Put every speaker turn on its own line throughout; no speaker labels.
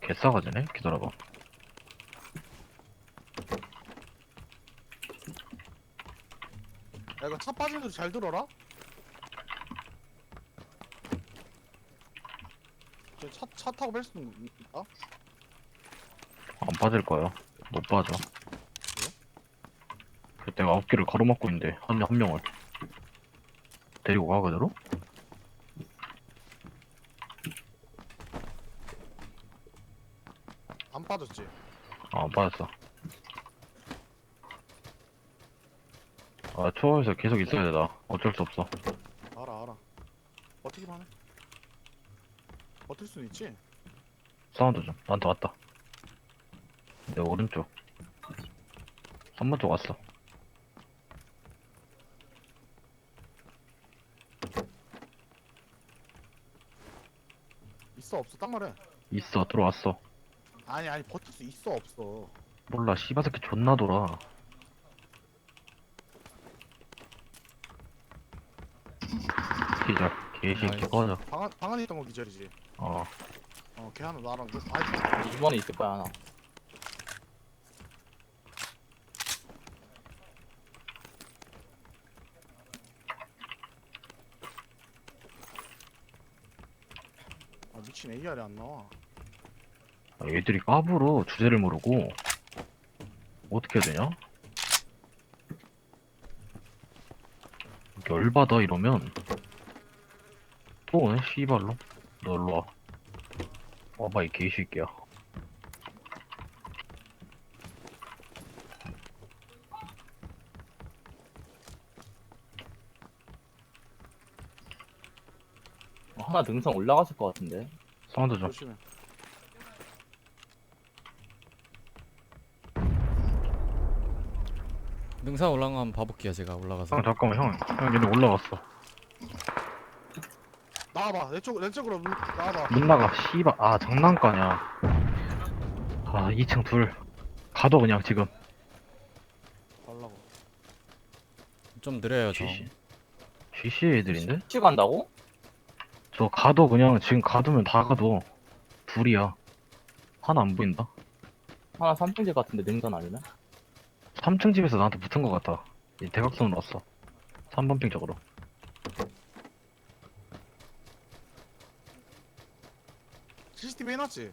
개싸가지네? 기다려봐.
야 이거 차 빠지는 소리 잘 들어라. 차 타고 뺄 수는 있다?
안 빠질 거야. 못 빠져. 그 내가 9개를 가로막고 있는데, 한 명을. 데리고 가, 그대로?
안 빠졌지?
아, 안 빠졌어. 아, 초월에서 계속 있어야 돼, 나. 어쩔 수 없어.
알아. 버티기만 해. 버틸 수는 있지?
사운드 좀. 나한테 왔다. 내 오른쪽. 3번 쪽 왔어.
있어 없어 딱 말해.
있어, 들어왔어.
아니 버틸 수 있어 없어.
몰라, 씨바새끼 존나 돌아. 기절. 개새끼 꺼져.
방 안에 있던 거 기절이지.
어.
걔 하나 나랑 아
2번에 있을 거야 하나.
미친 AR이 안 나와.
아, 얘들이 까불어. 주제를 모르고. 어떻게 해야 되냐? 열받아, 이러면. 또 오네, 씨발로. 너 일로와. 와봐, 이 개새끼야.
하나 능선 올라갔을 것 같은데.
사운드 좀.
조심해.
능선 올라간 거 한번 봐볼게요. 제가 올라가서.
형, 잠깐만, 형, 얘네 올라갔어.
나와봐. 내 쪽으로 나와봐.
문 나가, 씨발. 아, 장난가냐. 아, 2층 둘. 가둬, 그냥, 지금.
달라고.
좀 느려요 저.
GC 애들인데?
치 간다고?
저 가둬, 그냥, 지금 가두면 다 가둬. 둘이야. 하나 안 보인다.
하나 3층집 같은데 능선 아니면?
3층 집에서 나한테 붙은 것 같다. 이 대각선으로 왔어. 3번 핑 쪽으로.
CCTV 해놨지?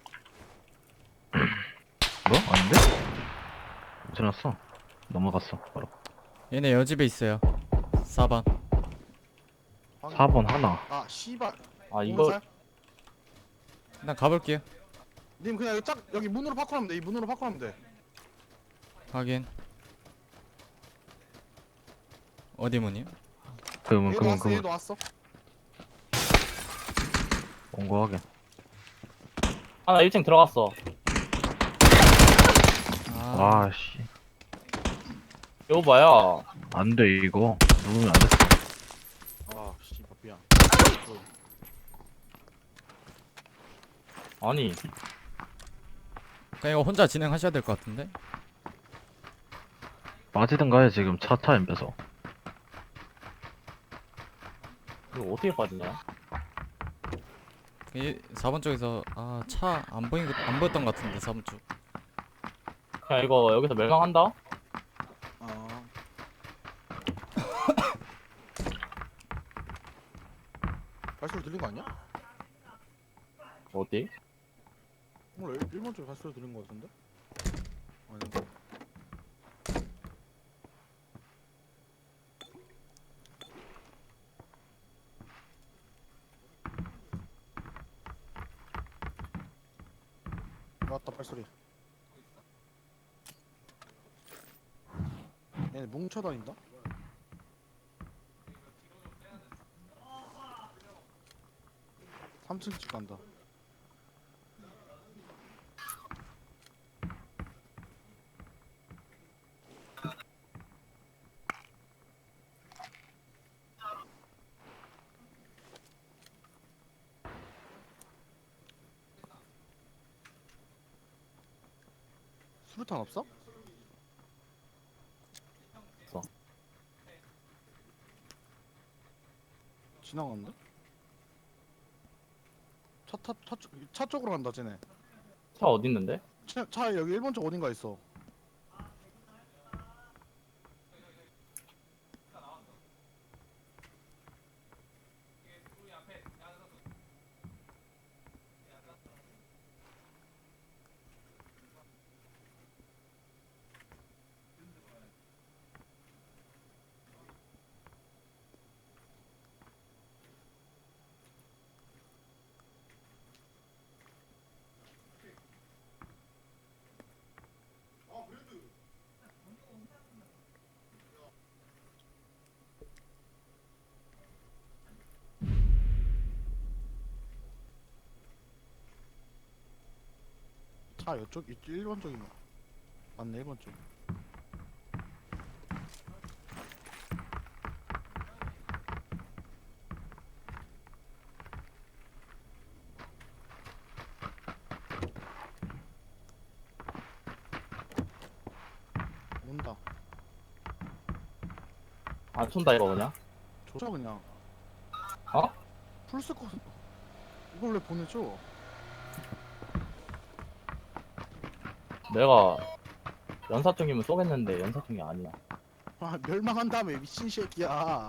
뭐? 아닌데? 지났어. 넘어갔어, 바로.
얘네 여집에 있어요. 4번.
4번 하나.
아 씨발.
아 이거
일단 가볼게요.
님 그냥 여기 문으로 파쿠하면 돼. 이 문으로 파쿠하면 돼.
확인. 어디 문이요?
그러면,
얘도
그러면,
왔어.
그러면.
얘도 왔어.
온거 하게.
하나 1층 들어갔어.
아,
아, 씨.
이거 봐요.
안 돼, 이거. 누르면 안 됐어.
아 씨발 미안.
아니
그냥 이거 혼자 진행하셔야 될 것 같은데.
빠지든가 해, 지금 차 엠pe서.
이거 어떻게 빠지냐?
4번 쪽에서 차 안 보였던 것 같은데 4번 쪽.
그냥 이거 여기서 멸망한다?
아. 발소리 들린 거 아니야?
어디?
몰라. 1번 쪽에 발소리 들린 거 같은데? 아닌가? 왔다 발소리. 얘네 뭉쳐다닌다? 삼 3층 집 간다. 수류탄 없어?
없어.
지나갔는데? 차 쪽으로 간다 쟤네.
차 어디 있는데?
차 여기 1번 쪽 어딘가 있어. 차 이쪽 1번 쪽이네. 맞네 1번 쪽. 온다.
안 쏜다 이거 그냥.
조져 그냥.
어?
풀스코 이걸 왜 보내줘?
내가 연사총이면 쏘겠는데 연사총이 아니야.
아 멸망한 다음에 미친 새끼야.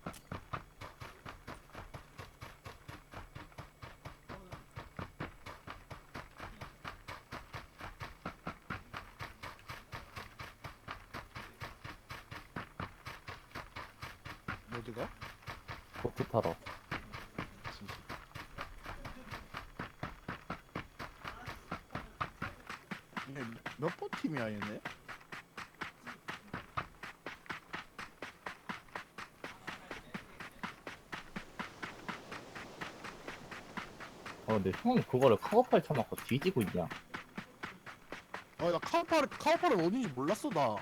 어디가?
보트 타러.
몇 번 팀이야 얘네?
근데 형 그거를 카고팔 쳐놓고 뒤지고 있냐?
아나 카우파를 어딘지 몰랐어 나.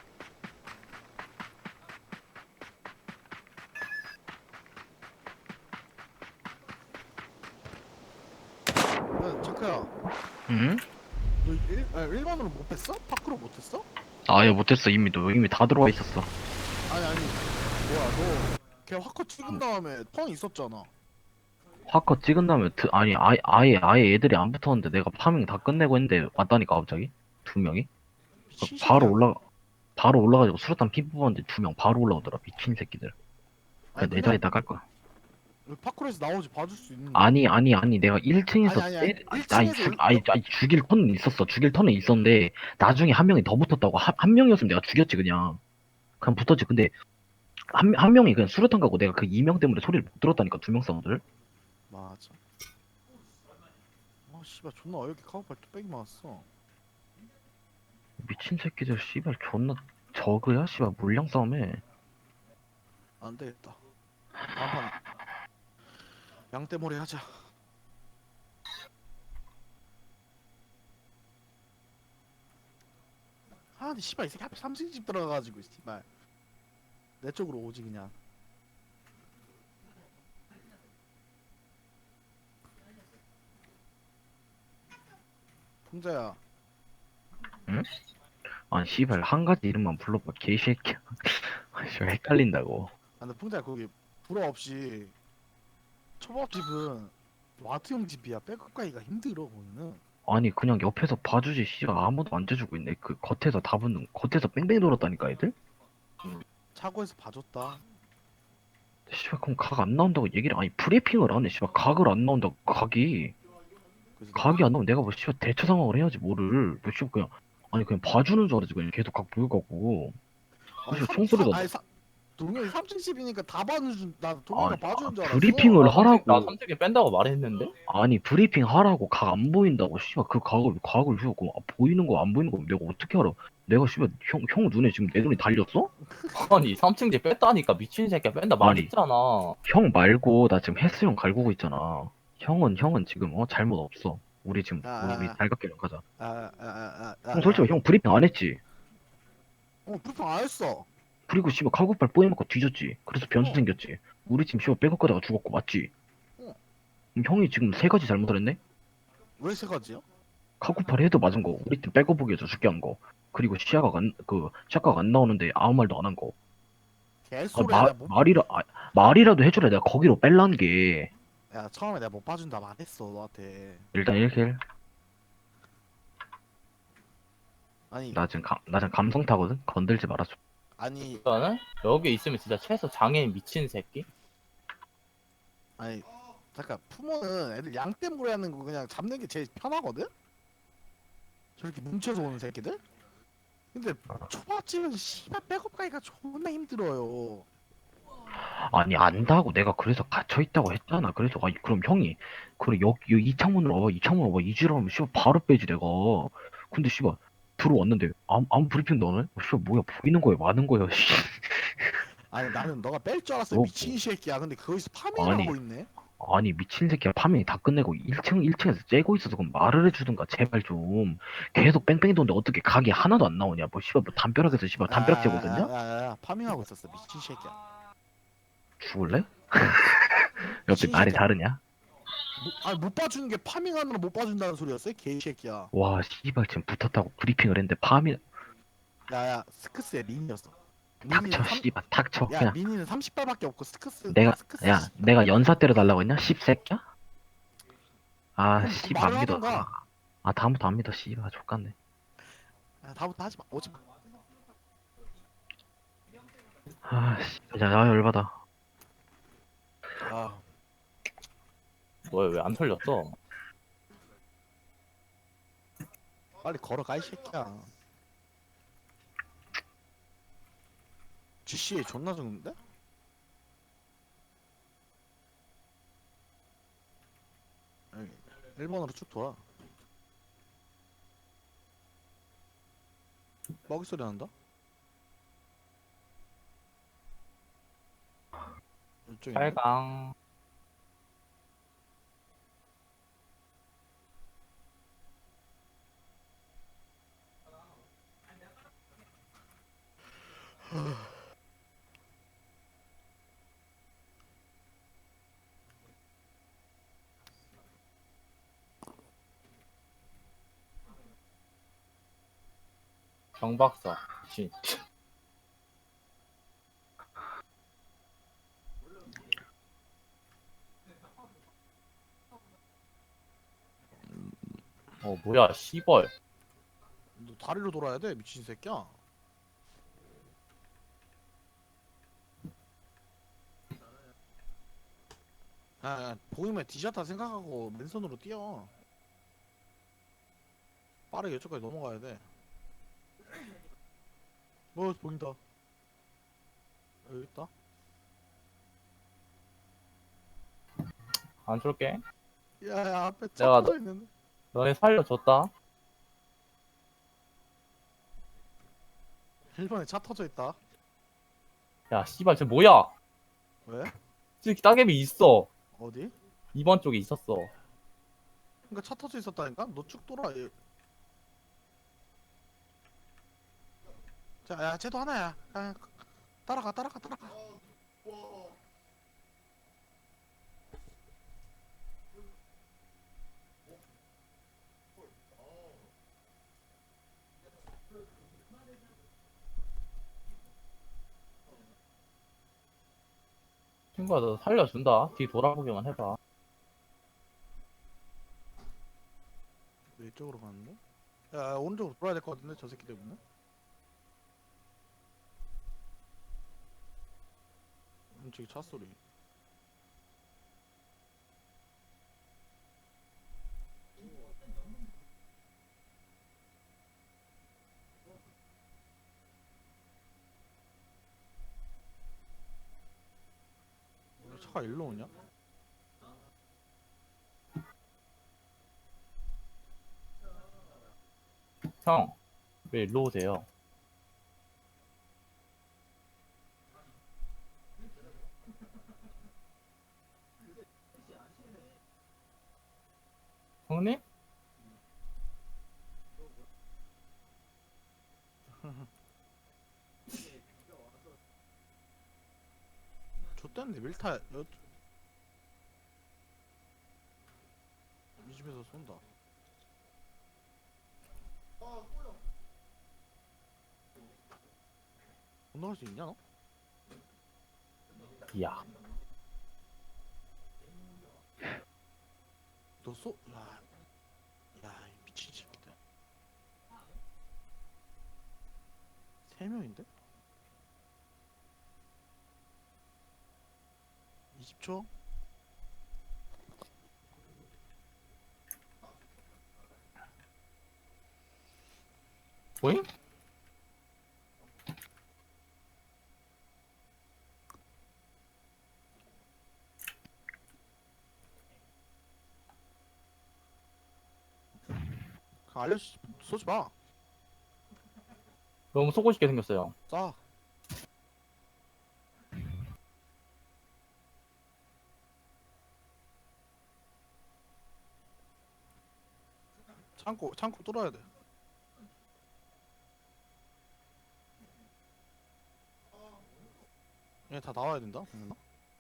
야 자크야
응?
너 1번으로 못 했어? 파크로 못 했어?
아예 못했어. 이미 다 들어와 있었어.
아니 뭐야 너 걔 화커 찍은 다음에 턴 있었잖아.
화커 찍은 다음에 아니 아예 애들이 안 붙었는데 내가 파밍 다 끝내고 했는데 왔다니까 갑자기 두 명이
미친
바로
새끼야.
바로 올라가지고 수류탄 피 뽑았는데 두 명 바로 올라오더라. 미친 새끼들.
아니,
내 자리에다 깔 거야.
파크로에서 나오지 봐줄 수 있는.
아니 내가 1층에서
아니, 1층에서
아니 죽일 턴은 있었어. 죽일 턴은 있었는데 나중에 한 명이 더 붙었다고. 한 명이었으면 내가 죽였지 그냥 붙었지. 근데 한 명이 그냥 수류탄 가고 내가 그 2명 때문에 소리를 못 들었다니까. 두 명 사운드를.
맞아. 아 씨발 존나 어이없게 카우팔 뚝배기 맞았어.
미친 새끼들 씨발 존나 저그야 씨발 물량 싸움에.
안 되겠다. 다음판 양떼머리 하자. 아 근데 씨발 이 새끼 하필 삼층집 들어가가지고 씨발 내 쪽으로 오지 그냥. 풍자야.
아니 씨발 한 가지 이름만 불러봐 개새끼야. 씨발 헷갈린다고.
아 근데 풍자야 거기 불어 없이 초밥집은 와트 형 집이야. 백업 가기가 힘들어 거기는.
아니 그냥 옆에서 봐주지 씨발 아무도 안 재주고 있네. 그 겉에서 다 붙는 겉에서 뺑뺑이 돌았다니까 애들.
차고에서 봐줬다.
씨발 그럼 각 안 나온다고 얘기를 아니 브리핑을 안 해. 씨발 각을 안 나온다고 각이
그래서
각이 안 나오면 내가 뭐 씨발 대처 상황을 해야지 뭐를. 뭐 씨발 그냥 봐주는 줄 알았지. 그냥 계속 각 보여가고. 그래서 총소리가
아니 동영이 3층 집이니까 다 봐주는 나 동영이가
아니,
봐주는 줄 알았어.
브리핑을
나
하라고.
3층에 뺀다고 말했는데?
아니 브리핑 하라고 각 안 보인다고. 씨발 그 각을 주고 보이는 거 안 보이는 거 내가 어떻게 알아? 내가 씨발 형 눈에 지금 내 눈이 달렸어?
아니 3층제 뺐다니까 미친 새끼야 뺀다
아니.
말했잖아.
형 말고 나 지금 헬스형 갈구고 있잖아. 형은 지금 잘못 없어. 우리 지금 우리 달갑게랑 가자. 형 솔직히 형 브리핑 안 했지.
브리핑 안 했어.
그리고 씨발 카고팔 뽀해먹고 뒤졌지. 그래서 변수 생겼지. 우리 지금 씨발 백업 가다가 죽었고 맞지?
어.
그럼 형이 지금 세 가지 잘못을 했네?
왜 세 가지야?
카고팔 헤드 맞은 거, 우리 팀 백업 보기에서 죽게 한 거, 그리고 샤가가 안 나오는데 아무 말도 안 한 거.
개소리야.
말이라도 해주라. 내가 거기로 뺄란 게.
야 처음에 내가 못 봐준다 말했어 너한테.
일단 1킬.
아니
나 지금 감성 타거든. 건들지 말아줘.
아니
일단은 여기 있으면 진짜 최소 장애인 미친 새끼.
아니 잠깐 푸모는 애들 양떼 물에 하는 거 그냥 잡는 게 제일 편하거든? 저렇게 뭉쳐서 오는 새끼들? 근데 초밥집은 씨발 백업 가기가 존나 힘들어요.
아니 안다고 내가 그래서 갇혀 있다고 했잖아. 그래서 아니 그럼 형이 그래 여기 이 창문으로 와봐 이 창문으로 와봐 이지라면 씨발 바로 빼지 내가. 근데 씨발 들어왔는데 아무 브리핑도 안 해? 씨발 뭐야 보이는 거야 많은 거야. 씨.
아니 나는 너가 뺄 줄 알았어
너
미친 새끼야. 근데 거기서 파밍을
아니
하고 있네.
아니 미친 새끼야 파밍이 다 끝내고 1층에서 째고 있어서 그럼 말을 해주든가 제발 좀. 계속 뺑뺑이 도는데 어떻게 각이 하나도 안 나오냐. 뭐 씨발 뭐 담벼락에서 씨발 담벼락 재고 있었냐?
파밍하고 있었어 미친 새끼야.
죽을래? 옆에
미친
말이
새끼야.
다르냐?
아니 못 봐주는 게 파밍하느라 못 봐준다는 소리였어 개 새끼야.
와 씨발 지금 붙었다고 브리핑을 했는데 파밍
야야 스크스의 린이었어.
닥쳐 씨발 닥쳐
야
그냥.
미니는 30발밖에 없고 스크스
내가
스크스
야 내가 연사 때려달라고 했냐? 씹새끼야? 아
그럼
씨발
말을
안 믿어.
하던가.
아 다음부터 안 믿어 씨발 족같네.
야, 다음부터 하지 마 오지 마.
아 씨발 야 열받아.
아
뭐야 왜 안 털렸어?
빨리 걸어가 이 새끼야. GC 존나 적는데? 여기 1번으로 쭉 돌아. 먹이 소리 난다? 이쪽에 있네?
빨강. 정박사. 씨. 뭐야 씨벌.
너 다리로 돌아야 돼 미친 새끼야. 보이면 뒤졌다 생각하고 맨손으로 뛰어. 빠르게 이쪽까지 넘어가야 돼. 보인다. 여기 있다.
안 쏠게.
야야 앞에 차
내가
터져 있는데.
너네 살려줬다.
1번에 차 터져 있다.
야 씨발 쟤 뭐야?
왜?
저기 따개비 있어.
어디?
2번 쪽에 있었어.
그러니까 차 터져 있었다니까? 너 쭉 돌아. 자, 야, 쟤도 하나야. 야, 따라가.
친구야 너 살려준다. 뒤 돌아보기만 해봐.
왜 이쪽으로 가는데? 야, 오른쪽으로 돌아야 될 것 같은데, 저 새끼 때문에. 저기 차 소리. 왜 차가 일로 오냐?
형, 왜 일로 오세요? 형님?
좆됐네, 밀타. 이 집에서 쏜다. 건너갈 수 있냐, 너?
야,
너 야, 이 미친 새끼들. 3명인데? 20초?
보임?
쏘지 마.
너무 쏘고 싶게 생겼어요.
쏴. 창고 뚫어야 돼. 얘 다 나와야 된다. 동현아.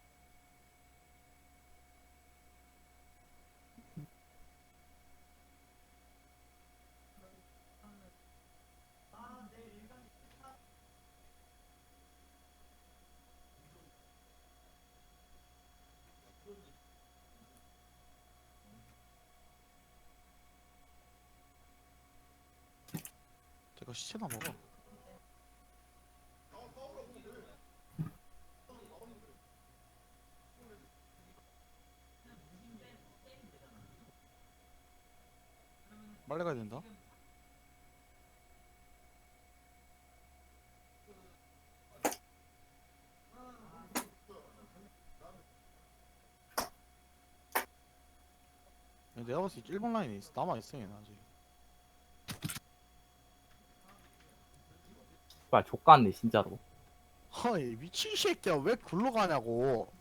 제가 시체나 먹어. 빨리 가야 된다. 야, 내가 봤을 때 1번 라인에 남아있어 얘는 아직.
발 족같네 진짜로.
아이 미친 새끼야 왜 굴러가냐고.